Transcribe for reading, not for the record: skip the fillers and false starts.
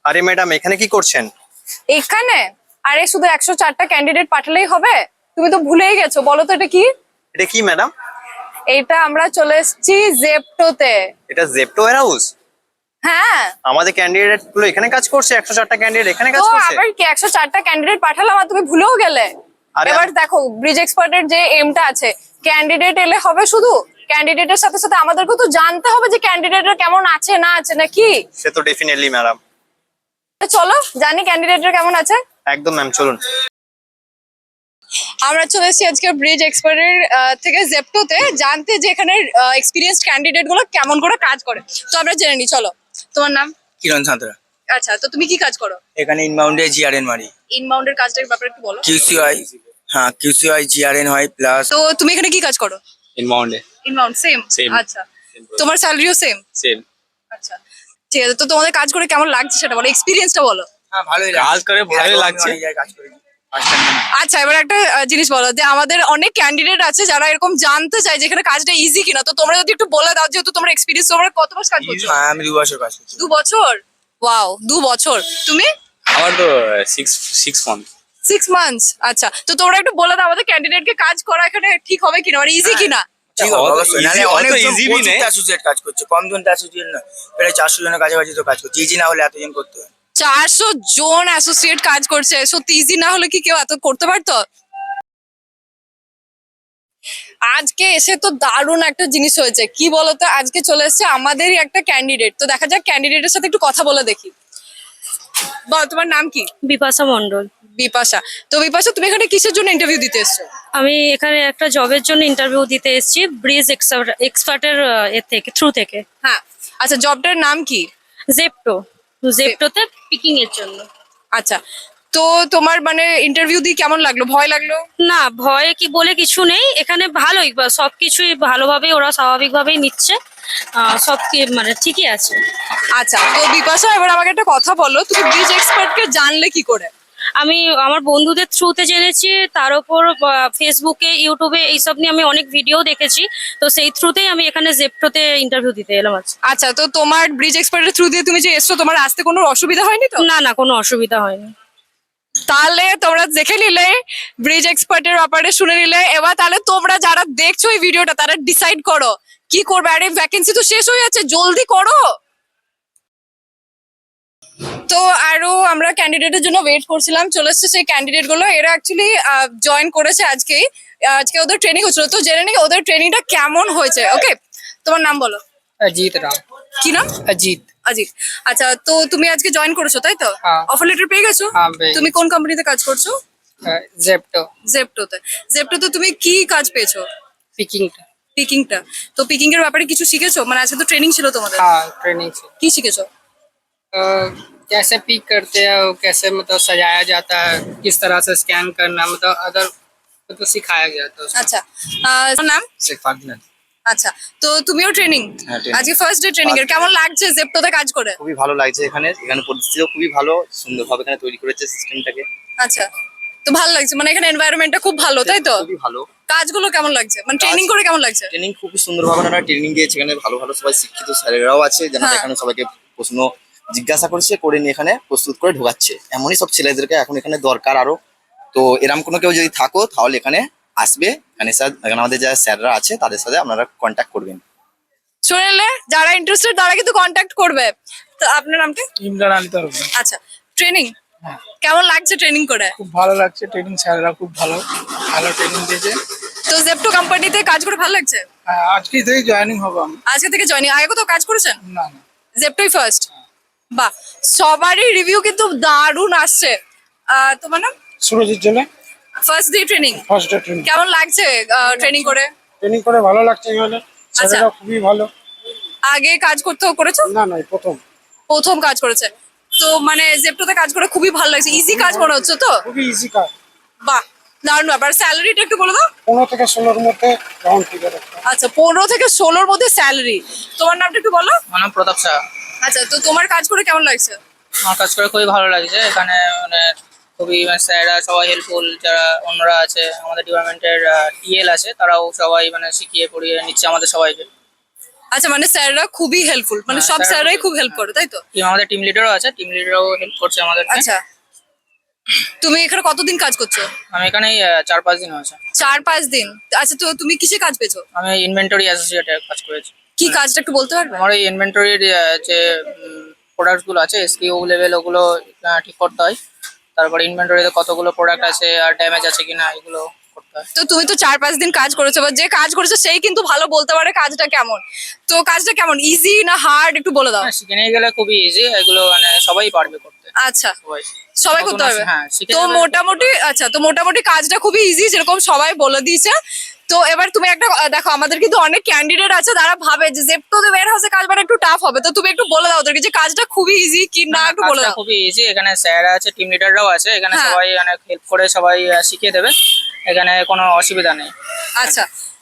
আরে ম্যাডাম এখানে কি করছেন? এখানে? আরে শুধু 104টা ক্যান্ডিডেট পাঠালেই হবে? তুমি তো ভুলেই গেছো, বলো তো এটা কি? এটা কি ম্যাডাম? এটা আমরা চলে এসেছি জেপটোতে। এটা জেপ্টো ওয়্যার হাউস? হ্যাঁ। আমাদের ক্যান্ডিডেট গুলো এখানে কাজ করছে, 104টা ক্যান্ডিডেট এখানে তো কাজ করছে। আবার কি 104টা ক্যান্ডিডেট পাঠালাম আর তুমি ভুলেও গেলে? আরে এবার দেখো ব্রিজ এক্সপার্টের যে এমটা আছে, ক্যান্ডিডেট এলে হবে শুধু? ক্যান্ডিডেটের সাথে সাথে আমাদেরকে তো জানতে হবে যে ক্যান্ডিডেটরা কেমন আছে না আছে নাকি। সে তো ডেফিনেটলি ম্যাডাম। চলো জানি ক্যান্ডিডেটরা কেমন আছে। একদম ম্যাম, চলুন। আমরা চলে এসেছি আজকে ব্রিজ এক্সপার্টের থেকে জেপটোতে জানতে যে এখানে এক্সপিরিয়েন্সড ক্যান্ডিডেট গুলো কেমন করে কাজ করে। তো আমরা জেনে নিই, চলো। তোমার নাম? কিরণ সাঁতরা। আচ্ছা, তো তুমি কি কাজ করো? এখানে ইনবাউন্ডে জিআরএন মারি। ইনবাউন্ডের কাজটার ব্যাপারে একটু বলো। কিউসিআই, হ্যাঁ কিউসিআই জিআরএন হয় প্লাস। তো তুমি এখানে কি কাজ করো? ইনবাউন্ডে ইনবাউন্ড সেম? Same. আচ্ছা, তোমার স্যালারিও সেম? সেম। আচ্ছা, ঠিক আছে। তো তোমাদের কাজ করে কেমন লাগছে সেটা বলো, এক্সপিরিয়েন্সটা বলো। হ্যাঁ ভালোই কাজ করে ভালোই লাগছে। কাজ করি ফার্স্ট টাইম। আচ্ছা, এবার একটা জিনিস বলো যে আমাদের অনেক ক্যান্ডিডেট আছে যারা এরকম জানতে চায় যে এখানে কাজটা ইজি কিনা, তো তোমরা যদি একটু বলে দাও, যেহেতু তোমরা এক্সপিরিয়েন্স, তোমরা কত মাস কাজ করছো? হ্যাঁ আমি 2 বছর কাজ করছি। 2 বছর? ওয়াও, 2 বছর। তুমি? আমার তো সিক্স মান্থ। 6 মান্থস। আচ্ছা, তো তোমরা একটু বলে দাও আমাদের ক্যান্ডিডেটকে কাজ করা এখানে ঠিক হবে কিনা, মানে ইজি কিনা। ঠিক আছে, অত অবশ্যই। easy, নাহলে অত অনেক easy বি নেই। অ্যাসোসিয়েট কাজ করছে, কম জন অ্যাসোসিয়েট না, প্রায় 400 জনের কাছাকাছি তো কাজ করছে। ইজি না হলে এতজন করতে হয়। 400 জন অ্যাসোসিয়েট কাজ করছে, সত্যি ইজি না হলে কি কেউ এত করতে পারতো? আজকে এসে তো দারুণ একটা জিনিস হয়েছে, কি বলতো, আজকে চলে এসেছে আমাদেরই একটা ক্যান্ডিডেট। তো দেখা যাক ক্যান্ডিডেটের সাথে একটু কথা বলে দেখি। বল, তোমার নাম কি? বিপাশা মণ্ডল। বিপাশা। তো বিপাশা, তুমি এখানে কিসের জন্য ইন্টারভিউ দিতে এসছো? আমি এখানে একটা জবের জন্য ইন্টারভিউ দিতে এসেছি ব্রিজ এক্সপার্টের থ্রু থেকে। হ্যাঁ। আচ্ছা, জবটার নাম কি? জেপটো। জেপটোতে পিকিং এর জন্য। আচ্ছা, তো তোমার মানে ইন্টারভিউ দিয়ে কেমন লাগলো? ভয় লাগলো? না, ভয় কি বলে কিছু নেই, এখানে ভালোই সবকিছুই ভালোভাবেই ওরা স্বাভাবিকভাবেই নিচ্ছে। সব কি মানে ঠিকই আছে। আচ্ছা, তো বিপাশা এবার আমাকে একটা কথা বলো, তুমি ব্রিজ এক্সপার্টকে জানলে কি করে? আমি আমার বন্ধুদের থ্রুতে জেনেছি, তার উপর ফেসবুকে ইউটিউবে এইসব নিয়ে আমি অনেক ভিডিও দেখেছি। তো সেই থ্রুতেই আমি এখানে জেপটোতে ইন্টারভিউ দিতে এলাম আজকে। আচ্ছা, তো তোমার ব্রিজ এক্সপার্টের থ্রু দিয়ে তুমি যে এসছো, তোমার আসতে কোনো অসুবিধা হয়নি তো? না না, কোনো অসুবিধা হয়নি। তাহলে তোমরা দেখে নিলে, ব্রিজ এক্সপার্টের ব্যাপারে শুনে নিলে। এবার তাহলে তোমরা যারা দেখছো এই ভিডিওটা, তারা ডিসাইড করো কি করবে। আরে ভ্যাকেন্সি তো শেষ হয়ে যাচ্ছে, জলদি করো। তো আরো আমরা ক্যান্ডিডেটের জন্য ওয়েট করছিলাম, চলে এসছে সেই ক্যান্ডিডেট গুলো। এরা অ্যাকচুয়ালি জয়েন করেছে আজকেই। আজকে ওদের ট্রেনিং হচ্ছিল, তো জেনে নিই ওদের ট্রেনিংটা কেমন হয়েছে। ওকে, তোমার নাম বলো। अजीत राम। কি নাম? अजीत। অজিত। আচ্ছা, তো তুমি আজকে জয়েন করেছো তাই তো? হ্যাঁ। অফার লেটার পেয়ে গেছো? হ্যাঁ, পেয়ে তুমি কোন কোম্পানিতে কাজ করছো? जेप्टो। জেপটোতে। জেপটোতে তুমি কি কাজ পেয়েছো? पिकिंग। পিকিংটা। তো পিকিং এর ব্যাপারে কিছু শিখেছো? মানে আজকে তো ট্রেনিং ছিল তোমাদের। हाँ ट्रेनिंग से। কি শিখেছো? कैसे पिक करते हैं और कैसे मतलब सजाया जाता है, किस तरह से स्कैन करना, मतलब अदर तो सिखाया गया था उसमें। আচ্ছা, তোমার নাম? শেখ ফারদিনাদ। আচ্ছা, তো তুমিও ট্রেনিং? হ্যাঁ, training। আজকে ফার্স্ট ডে ট্রেনিং এর। কেমন লাগছে জেপটোতে কাজ করে? খুবই ভালো লাগছে। এখানে এখানে পরিস্থিতিও খুবই ভালো, সুন্দরভাবে এখানে তৈরি করেছে সিস্টেমটাকে। আচ্ছা, তো ভালো লাগছে, মানে এখানে এনভায়রনমেন্টটা খুব ভালো তাই তো? খুবই ভালো। কাজগুলো কেমন লাগছে, মানে ট্রেনিং করে কেমন লাগছে? ট্রেনিং খুবই সুন্দরভাবে ওনারা ট্রেনিং দিয়েছে। এখানে ভালো ভালো সবাই শিক্ষিত স্যারেরাও আছে, যারা হ্যাঁ। এখানে সবাইকে প্রশ্ন জিজ্ঞাসা করছে, করে নিয়ে এখানে প্রস্তুত করে ঢোকাচ্ছে। এমনই সব ছেলেদেরকে এখন এখানে দরকার আরো। তো এরকম কোনো কেউ যদি থাকো তাহলে এখানে আসবে। এখানে এখানে আমাদের যারা স্যাররা আছে তাদের সাথে আপনারা কন্ট্যাক্ট করবেন। শুনলে, যারা ইন্টারেস্টেড তারা কিন্তু কন্ট্যাক্ট করবে। তো আপনার নামটা? ইমরান আলী তরফদার। আচ্ছা, ট্রেনিং হ্যাঁ। কেমন লাগছে ট্রেনিং করে? খুব ভালো লাগছে, ট্রেনিং স্যাররা খুব ভালো ভালো ট্রেনিং দিয়েছে। তো জেপটো কোম্পানিতে কাজ করে ভালো লাগছে? আজকে থেকে জয়েনিং হবো আমি। আজকে থেকে জয়েনিং। আগে কোথাও কাজ করেছেন? না না। জেপটোই ফার্স্ট? বাহ, সবারই রিভিউ কিন্তু দারুণ আসছে। তোমার নাম? Surajit Jele. First day training first day training. কেমন লাগছে ট্রেনিং করে? ট্রেনিং করে ভালো লাগছে এখানে, স্যারেরা খুবই ভালো। আগে কাজ করেছো? না না, প্রথম প্রথম কাজ করেছে। তো মানে জেপটোতে কাজ করে খুবই ভালো লাগছে, ইজি কাজ মনে হচ্ছে তো? খুবই ইজি কাজ। বাহ, দারুণ ব্যাপার। স্যালারিটা একটু বলে দাও। 15 থেকে 16-র মধ্যে রাউন্ড ফিগার একটা। আচ্ছা, 15 থেকে 16-র মধ্যে স্যালারি। তোমার নামটা একটু বলো। আমার নাম প্রতাপ শাহ। আচ্ছা, তো তোমার কাজ করে কেমন লাগছে? আমার কাজ করে খুবই ভালো লাগছে। এখানে মানে খুবই স্যাররা সবাই হেল্পফুল, যারা অন্যরা আছে আমাদের ডিপার্টমেন্টের টিএল আছে, তারাও সবাই মানে শিখিয়ে পড়িয়ে নিচ্ছে আমাদের সবাইকে। আচ্ছা মানে স্যাররা খুবই হেল্পফুল, মানে হ্যাঁ, সব স্যাররা স্যাররাই খুব হেল্প করে, তাই তো? আমাদের টিম লিডারও আছে, টিম লিডারও হেল্প করছে আমাদের। আচ্ছা, তুমি এখানে কতদিন কাজ করছো? আমি এখানে 4-5 দিন হয়েছে। 4-5 দিন। আচ্ছা, তো তুমি কিসে কাজ পেয়েছো? আমি ইনভেন্টরি অ্যাসোসিয়েটে কাজ করেছি। কি কাজটা একটু বলতে পারবে? আমার এই ইনভেন্টরির যে প্রোডাক্ট গুলো আছে, এসকিউ লেভেল, ওগুলো ঠিক করতে হয়। তারপর ইনভেন্টরিতে কতগুলো প্রোডাক্ট আছে আর ড্যামেজ আছে কিনা এগুলো করতে হয়। তো তুমি তো 4-5 দিন কাজ করেছো, বা যে কাজ করেছো সেই কিন্তু ভালো বলতে পারে কাজটা কেমন। তো কাজটা কেমন, ইজি না হার্ড, একটু বলে দাও। হ্যাঁ, শিখে নিয়ে গেলে খুবই ইজি, এগুলো মানে সবাই পারবে করতে। আচ্ছা, সবাই সবাই নতুন করতে পারবে। হ্যাঁ, শিখে তো যাবে। মোটামুটি, আচ্ছা, তো মোটামুটি কাজটা খুবই ইজি যেরকম সবাই বলে দিয়েছে। তো এবার তুমি একটা দেখো, আমাদের কিন্তু অনেক ক্যান্ডিডেট আছে তারা ভাবে যে জেপ্টোতে ওয়্যার হাউসে কাজ মানে একটু টাফ হবে। তো তুমি একটু বলে দাও ওদেরকে যে কাজটা খুবই ইজি কি না, একটু বলে কাজটা দাও। খুবই ইজি, এখানে স্যার আছে, টিম লিডাররাও আছে, এখানে হ্যাঁ। সবাই অনেক হেল্প করে, সবাই শিখিয়ে দেবে, এখানে কোনো অসুবিধা নেই। আচ্ছা,